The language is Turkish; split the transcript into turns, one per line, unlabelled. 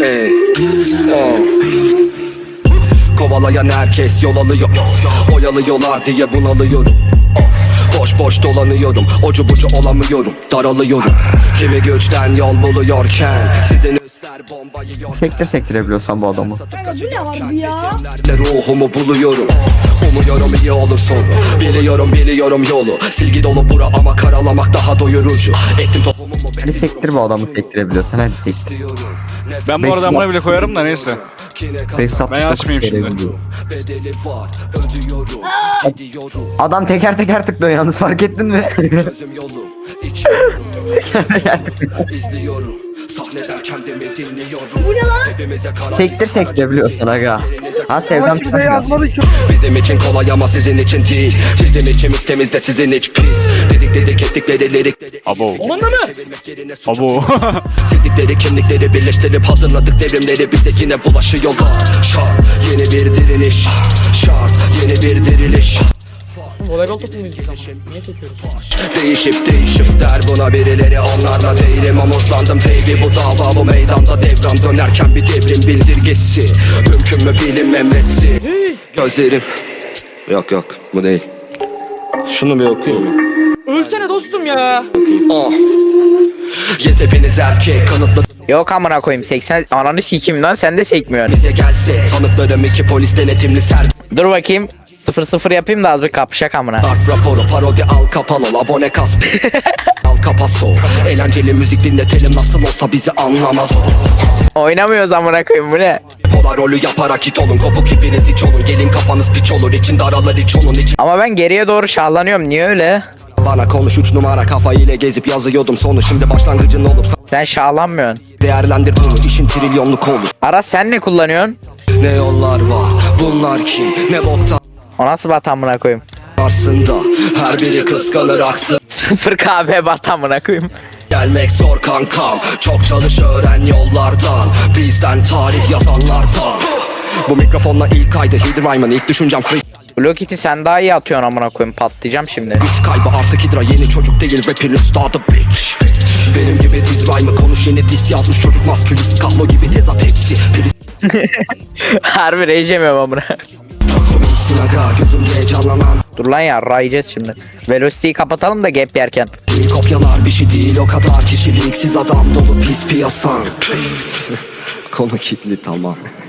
Hey. Kovalayan herkes yol alıyor, oyalıyorlar diye bunalıyorum. Boş boş dolanıyorum, ucu bucu olamıyorum, daralıyorum. Kimi güçten yol buluyorken sizin üstler bombayı yiyor.
Sektirebiliyorsan bu adamı.
Kanka bu ne var bu ya?
Ruhumu buluyorum, umuyorum iyi olur sonu. Biliyorum yolu, silgi dolu bura ama karalamak daha doyurucu. Ektim tohumumu
Hadi sektir bu adamı, sektirebiliyorsan hadi sektir.
Ben bu arada amına bile koyarım da neyse. Ben açmayayım şimdi.
Adam teker teker tıklıyor yalnız, fark ettin mi?
Bu ne lan?
Sektirebiliyorsan aga. Ha sevdam
Bizim için kolay ama sizin için değil. Bizim içimiz temiz de sizin iç pis. Dedik ettikleri lirik.
Abo. Abo.
Sildikleri kimlikleri birleştirip hazırladık devrimleri. Bize yine bulaşıyorlar. Şart yeni bir direniş. Şart yeni bir diriliş.
Voleybol topu muyuz biz ama? Niye sekiyoruz?
Değişip der buna birileri, onlarla değilim. Omuzlandım baby, bu dava bu meydanda devran dönerken bir devrim bildirgesi. Mümkün mü bilinmemesi? Gözlerim yok bu değil. Şunu bir okuyayım.
Ölsene dostum ya.
Yes hepiniz erkek kanıtlı.
Yok amına koyayım 80 ananı sikeyim lan, sen de sekmiyorsun.
Bize gelse tanıklarım iki polis denetimli ser.
Dur bakayım 0-0 yapayım da az bir kapışak amına.
Art raporu parodi al kapan ol abone kas. Al kapaso. Eğlenceli müzik dinletelim, nasıl olsa bizi anlamaz o.
Oynamıyoruz amına koyayım, bu ne?
Polar rolü yaparak hit olun, kopuk ipiniz iç olun. Gelin kafanız piç olur, içinde aralar iç onun için.
Ama ben geriye doğru şahlanıyorum, niye öyle?
Bana konuş 3 numara kafa ile gezip yazıyordum sonu, şimdi başlangıcın olup
Sen şahlanmıyorsun.
değerlendir bunu, işin trilyonluk olur.
Aras sen ne kullanıyorsun?
Ne yollar var, bunlar kim, ne boktan
O nasıl bat amına koyayım?
aslında. Her biri kıskanır aksın.
0 KB bat amına koyayım.
Gelmek zor kankam, çok çalış öğren yollardan. Bizden tarih yazanlardan. Bu mikrofonla ilk ayda Hidr Rhyme'ın ilk düşüncem free.
Blue Kitty sen daha iyi atıyorsun amına koyayım, patlayacağım şimdi.
Güç kaybı artık Hidra, yeni çocuk değil rapin üstadı bitch. Benim gibi diz rhyme'ı konuş, yeni diss yazmış çocuk maskülist. Kahlo gibi tezat hepsi.
Harbi rage yemiyorum amına.
Sinaga gözümde heyecanlanan.
Dur lan ya, rayacağız şimdi. Velocity'yi kapatalım da gap yerken.
Kopyalar bir şey değil o kadar, kişiliksiz adam dolu pis piyasan. Konu kilitli tamam.